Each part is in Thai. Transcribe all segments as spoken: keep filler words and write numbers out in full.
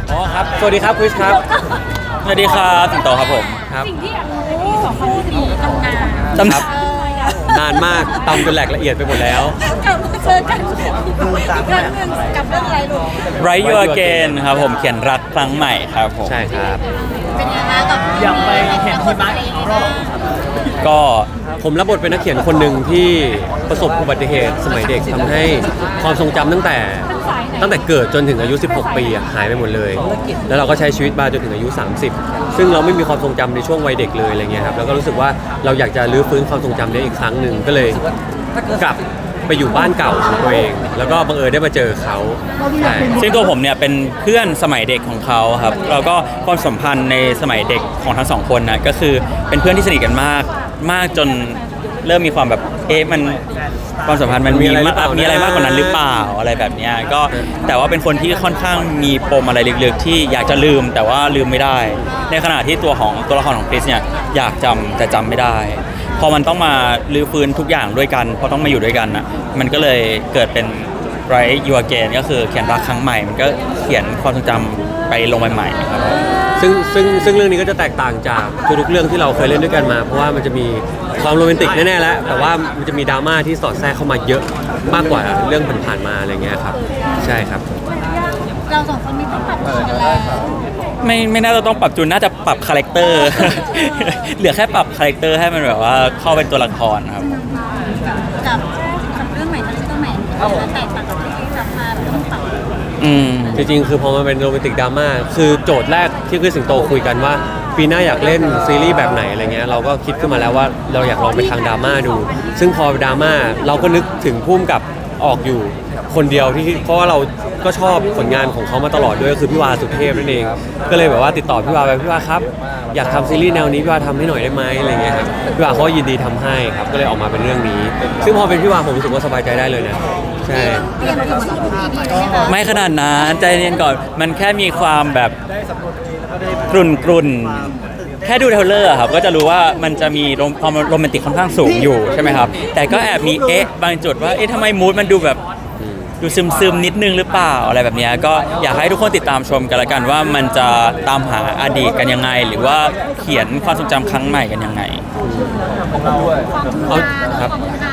อ๋อครับสวัสดีครับคริสครับสวัสดีครับสิงโตครับผมครับสิ่งที่อยากรู้สองคนนี้ตำนานจำครับนานมากตำจนแหลกละเอียดไปหมดแล้วกลับมาเจอกันอีกครั้งหนึ่งกับเรื่องอะไรลูก Write You Again ครับผมเขียนรักครั้งใหม่ครับผมใช่ครับเป็นยังไงบ้างกับอยากไปเห็นที่บ้านอีกรอบก็ผมรับบทเป็นนักเขียนคนหนึ่งที่ประสบอุบัติเหตุสมัยเด็กทำให้ความทรงจำตั้งแต่ตั้งแต่เกิดจนถึงอายุสิบหกปีอะหายไปหมดเลย แล้วเราก็ใช้ชีวิตมาจนถึงอายุ สามสิบ ซึ่งเราไม่มีความทรงจำในช่วงวัยเด็กเลยอะไรเงี้ยครับแล้วก็รู้สึกว่าเราอยากจะรื้อฟื้นความทรงจำนี้อีกครั้งหนึ่งก็เลยกลับไปอยู่บ้านเก่าของตัวเอง แล้วก็บังเอิญได้มาเจอเขาใช่ซึ่งตัวผมเนี่ยเป็นเพื่อนสมัยเด็กของเขาครับแล้วก็ความสัมพันธ์ในสมัยเด็กของทั้งสองคนนะก็คือเป็นเพื่อนที่สนิทกันมากมากจนเริ่มมีความแบบเอ๊ะมันความสัมพันธ์มันมีมากมีอะไรมากกว่านั้นหรือเปล่าอะไรแบบเนี้ยก็แต่ว่าเป็นคนที่ค่อนข้างมีปมอะไรลึกๆที่อยากจะลืมแต่ว่าลืมไม่ได้ ในขณะที่ตัวของตัวละครของคริสเนี่ยอยากจำแต่จำไม่ได้พอมันต้องมาลื้อฟื้นทุกอย่างด้วยกันพอต้องมาอยู่ด้วยกันอ่ะมันก็เลยเกิดเป็น Write You Again ก็คือเขียนรักครั้งใหม่มันก็เขียนความทรงจำไปลงใหม่ๆครับซึ่งซึ่งซึ่งเรื่องนี้ก็จะแตกต่างจากทุกๆเรื่องที่เราเคยเล่นด้วยกันมา เพราะว่ามันจะมีความโรแมนติกแน่ๆแล้วแต่ว่ามันจะมีดราม่าที่สอดแทรกเข้ามาเยอะมากกว่าเรื่องผ่านๆมาอะไรเงี้ยครับใช่ครับเราสองคนนี้ต้องปรับตัวกันแล้วไม่ไม่น่าจะต้องปรับจูนน่าจะปรับคาแรคเตอร์ เหลือแค่ปรับคาแรคเตอร์ให้มันแบบว่าเข้าเป็นตัวละครครับกับกับเรื่องใหม่คาแรคเตอร์ใหม่มันแตกต่างกับที่ทำมาแบบต้องปรับอืมจริงๆคือพอมาเป็นโรแมนติกดราม่าคือโจทย์แรกที่คือสิงโตคุยกันว่าปีหน้าอยากเล่นซีรีส์แบบไหนอะไรเงี้ยเราก็คิดขึ้นมาแล้วว่าเราอยากลองไปทางดราม่าดู ซึ่งพอดราม่าเราก็นึกถึงพุ่มกับออกอยู่คนเดียวที่เพราะว่าเราก็ชอบผลงานของเขามาตลอดด้วยก็คือพี่วาสุเทพนั่นเองก็เลยแบบว่าติดต่อพี่วาไปพี่วาครับอยากทำซีรีส์แนวนี้พี่วาทำให้หน่อยได้ไหมอะไรเงี้ยครับพี่วาเขาก็ยินดีทำให้ครับก็เลยออกมาเป็นเรื่องนี้ ซึ่งพอเป็นพี่วาผมรู้สึกว่าสบายใจได้เลยนะใช่เตรียมตัวมาทุกอีพีเลยไหมคะไม่ขนาดนั้นใจเย็นก่อนมันแค่มีความแบบกรุ่นกรุ่นแค่ดูเทรลเลอร์อะครับก็จะรู้ว่ามันจะมีโรความโรแมนติกค่อนข้างสูงอยู่ใช่ไหมครับแต่ก็แอบมีเอ๊ะบางจุดว่าเอ๊ะทำไมมูดมันดูแบบดูซึมซึมๆนิดนึงหรือเปล่าอะไรแบบเนี้ยก็อยากให้ทุกคนติดตามชมกันละกันว่ามันจะตามหาอดีตกันยังไง หรือว่าเขียนความทรงจำครั้งใหม่กันยังไงเอาครับ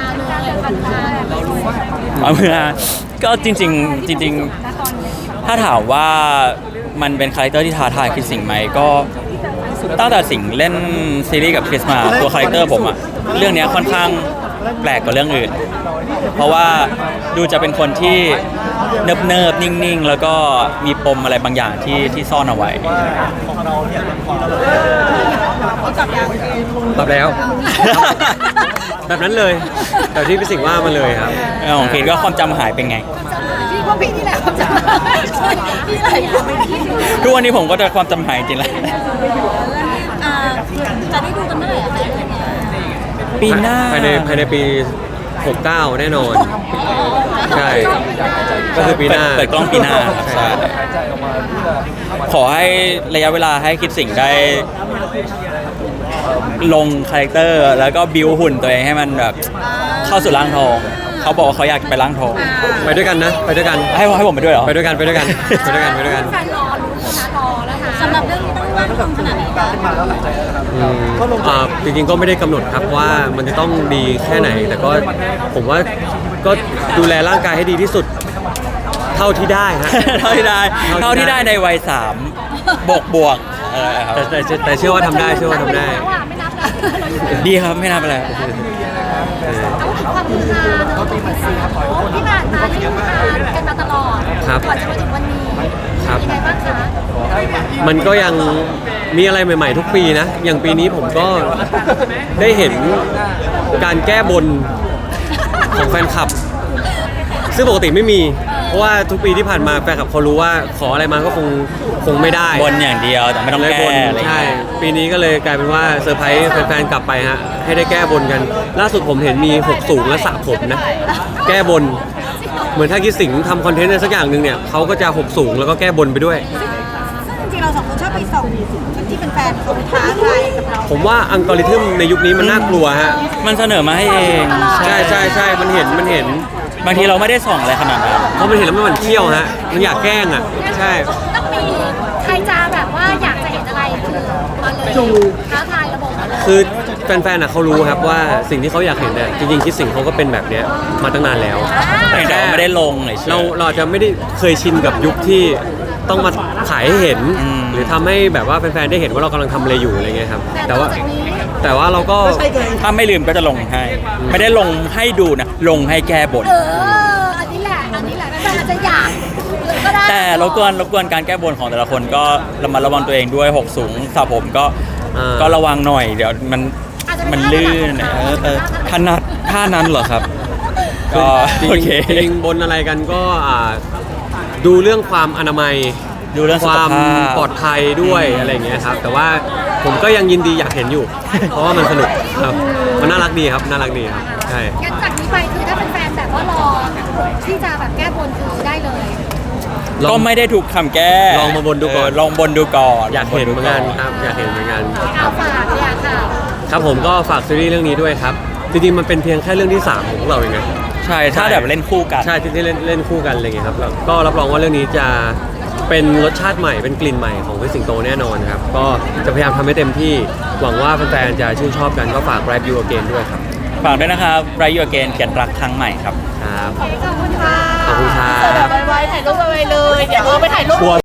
เอาเมื่อก็จริงๆจริงๆถ้าถามว่ามันเป็นคาแรคเตอร์ที่ท้าทายคริสสิงห์ไหมก็ตั้งแต่สิงห์เล่นซีรีส์กับคริสมาตัวคาแรคเตอร์ผมอะเรื่องนี้ค่อนข้างแปลกกว่าเรื่องอื่น เพราะว่าดูจะเป็นคนที่เนิบเนิบๆนิ่งๆ แล้วก็มีปมอะไรบางอย่างที่ที่ซ่อนเอาไว้ตอบแล้ว แบบนั้นเลยแต่ที่พี่สิงห์ว่ามาเลยครับของคริสก็ความจำหายเป็นไงพี่ว่าพี่นี่แหละครับจะพี่ไหนก็ไม่คิดทุกวันนี้ผมก็จะความจำหายจริงๆแล้วอ่าจะได้ดูกันเมื่อไหร่อะคะปีหน้าภายในภายในปีหกสิบเก้าแน่นอน ใช่ ก็คือปีหน้าเปิดกล้องปีหน้าครับใช่ขอให้ระยะเวลาให้คิดสิ่งได้ลงคาแรคเตอร์แล้วก็บิวหุ่นตัวเองให้มันแบบเข้าสู่ร่างทอง เขาบอกว่าเขาอยากไปร่างทองไปด้วยกันนะ ไปด้วยกันให้ให้ผมไปด้วยเหรอไปด้วยกัน ไปด้วยกัน ไปด้วยกัน ไปด้วยกันแฟนรอรู้นะรอแล้วค่ะสำหรับเรื่องนี้ต้องร่างทองขนาดไหนคะอืมอ่าจริงๆก็ไม่ได้กำหนดครับว่ามันจะต้องดีแค่ไหน แต่ก็ผมว่าก็ดูแลร่างกายให้ดีที่สุด เท่าที่ได้ฮะเท่าที่ได้เท่าที่ได้ในวัยสามบวกบวกเออครับแต่แต่แต่แต่เชื่อว่าทำได้ เชื่อว่าทำได้ไม่นับแล้วดีครับไม่น่าเป็นไรเอาถึงความฮือฮาเนอะที่ผ่านมาที่ฮือฮากันมาตลอดครับก่อนจะมาถึงวันนี้ครับยังไงบ้างคะมันก็ยังมีอะไรใหม่ๆทุกปีนะ อย่างปีนี้ผมก็ได้เห็นการแก้บนของแฟนคลับ ซึ่งปกติไม่มี เพราะว่าทุกปีที่ผ่านมาแฟนคลับเขารู้ว่าขออะไรมาก็คงคงไม่ได้บนอย่างเดียวแต่ไม่ต้องเลยแก้บนอะไรอย่างใช่เงี้ยปีนี้ก็เลยกลายเป็นว่าเซอร์ไพรส์แฟนๆกลับไปฮะ ให้ได้แก้บนกัน ล่าสุดผมเห็นมีหกสูงและสระผมนะ แก้บน เหมือนถ้าคิดสิงห์ทำคอนเทนต์อะไรสักอย่างหนึ่งเนี่ยเขาก็จะหกสูงแล้วก็แก้บนไปด้วยซึ่งจริงๆเราสองคนชอบไปส่องที่เป็นแฟนเขาท้าทายกับเราผมว่าอัลกอริทึมในยุคนี้มันน่ากลัวฮะมันเสนอมาให้เองใช่ใช่ใช่มันเห็นมันเห็นบางทีเราไม่ได้ส่องอะไรขนาดนั้นเพราะมันเห็นแล้วมันหมั่นเที่ยวฮะ มันอยากแกล้งอ่ะ ใช่ต้องเมีใครจะแบบว่าอยากจะเห็นอะไรคือมาเลยท้าทายระบบมาเลยคือแฟนๆอ่ะเขารู้ครับว่าสิ่งที่เขาอยากเห็นเนี่ยจริงๆคิดสิ่งเขาก็เป็นแบบเนี้ยมาตั้งนานแล้วแต่เราไม่ได้ลงเลยเราเราอาจจะไม่ได้เคยชินกับยุคที่ต้องมาขายให้เห็นอืมหรือทำให้แบบว่าแฟนๆได้เห็นว่าเรากำลังทำอะไรอยู่อะไรเงี้ยครับแต่แต่ต่อว่าจากนี้แต่ว่าเราก็ถ้าไม่ลืมก็จะลงให้ ไม่ได้ลงให้ดูนะ ลงให้แก้บนเอออันนี้แหละอันนี้แหละแฟนๆอาจจะอยากก็ได้แต่รบกวนรบกวนการแก้บนของแต่ละคนก็ระมัดระวังตัวเองด้วยหกสูงสระผมก็อ่าก็ระวังหน่อยเดี๋ยวมันอาจจะมันไได้ลื่นเออเออถนัดท่านั้นเหรอครับ ก็จริงโอเคจริงบนอะไรกันก็อ่าดูเรื่องความอนามัยดูเรื่องคสุขวามภาพปลอดภัยด้วยอะไรอย่างเงี้ยครับแต่ว่าผมก็ยังยินดีอยากเห็นอยู่ เพราะว่ามันสนุกครับมันน่ารักดีครับน่ารักดีครับใช่งั้นจากนี้ไปคือถ้าเป็นแฟนๆแบบว่ารอที่จะแบบแก้บนคือได้เลยลก็องไม่ได้ถูกคำแก้ลองมาบนดูก่อนเลองบนดูก่อนอยากเห็นเหมือนกันครับอยากเห็นเหมือนกันเอาฝากเลยอะค่ะครับผมก็ฝากซีรีส์เรื่องนี้ด้วยครับจริงๆมันเป็นเพียงแค่เรื่องที่สามของพวกเราเองนะใช่ถ้าแบบเล่นคู่กันใช่ที่ที่เล่นเล่นคู่กันอะไรอย่างเงี้ยครับแล้วก็รับรองว่าเรื่องนี้จะเป็นรสชาติใหม่เป็นกลิ่นใหม่ของพี่สิงโตแน่นอนครับก็จะพยายามทำให้เต็มที่หวังว่าแฟนๆจะชื่นชอบกันก็ฝาก Grab You Again ด้วยครับฝากด้วยนะครับไรยูเกนเขียนรักครั้งใหม่ครับครับขอบคุณค่ะขอบคุณครับไวๆถ่ายรูปไวๆเลย เดี๋ยวเออไปถ่ายรูป